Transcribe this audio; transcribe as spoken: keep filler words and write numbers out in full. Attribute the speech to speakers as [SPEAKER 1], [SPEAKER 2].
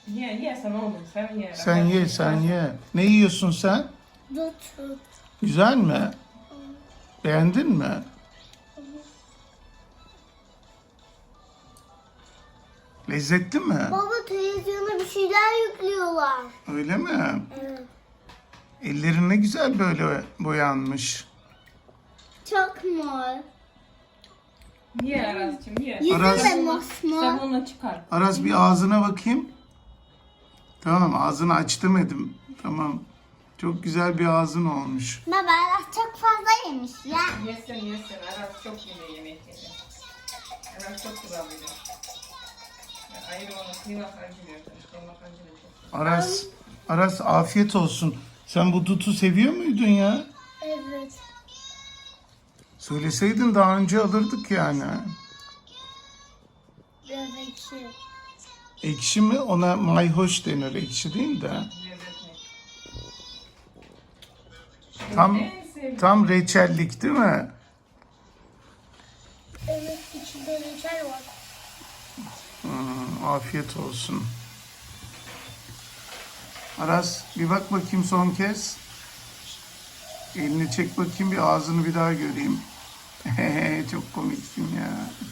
[SPEAKER 1] Ye ye sen oğlum sen ye.
[SPEAKER 2] Sen ye, sen ye. Ne yiyorsun sen?
[SPEAKER 3] Dut.
[SPEAKER 2] Güzel mi? Beğendin mi? Lezzetli mi?
[SPEAKER 3] Baba televizyona bir şeyler yüklüyorlar.
[SPEAKER 2] Öyle mi?
[SPEAKER 3] Evet.
[SPEAKER 2] Ellerin ne güzel böyle boyanmış.
[SPEAKER 3] Çok mor.
[SPEAKER 1] Ye Araz'cığım ye.
[SPEAKER 2] Aras-
[SPEAKER 3] Yüzü de mosmor.
[SPEAKER 1] Sabunla çıkar.
[SPEAKER 2] Aras bir ağzına bakayım. Tamam, ağzını aç demedim. Tamam. Çok güzel bir ağzın olmuş.
[SPEAKER 3] Baba Aras çok fazla yemiş ya.
[SPEAKER 1] Yesin yesin Aras çok yine yemek yedi. Aras çok güzel biliyor. Ayrı onu kıymak acılıyor. Kıymak acılıyor çok.
[SPEAKER 2] Aras, Aras afiyet olsun. Sen bu dutu seviyor muydun ya?
[SPEAKER 3] Evet.
[SPEAKER 2] Söyleseydin daha önce alırdık yani.
[SPEAKER 3] Biraz ekşi.
[SPEAKER 2] Ekşi mi? Ona mayhoş denir. Ekşi değil de.
[SPEAKER 1] Lezzetli.
[SPEAKER 2] Tam
[SPEAKER 1] En sevdiğim-
[SPEAKER 2] tam reçellik değil mi?
[SPEAKER 3] Evet, içinde reçel var.
[SPEAKER 2] Hmm, afiyet olsun. Aras bir bak bakayım son kez. Elini çek bakayım, bir ağzını bir daha göreyim. Çok komiksin ya.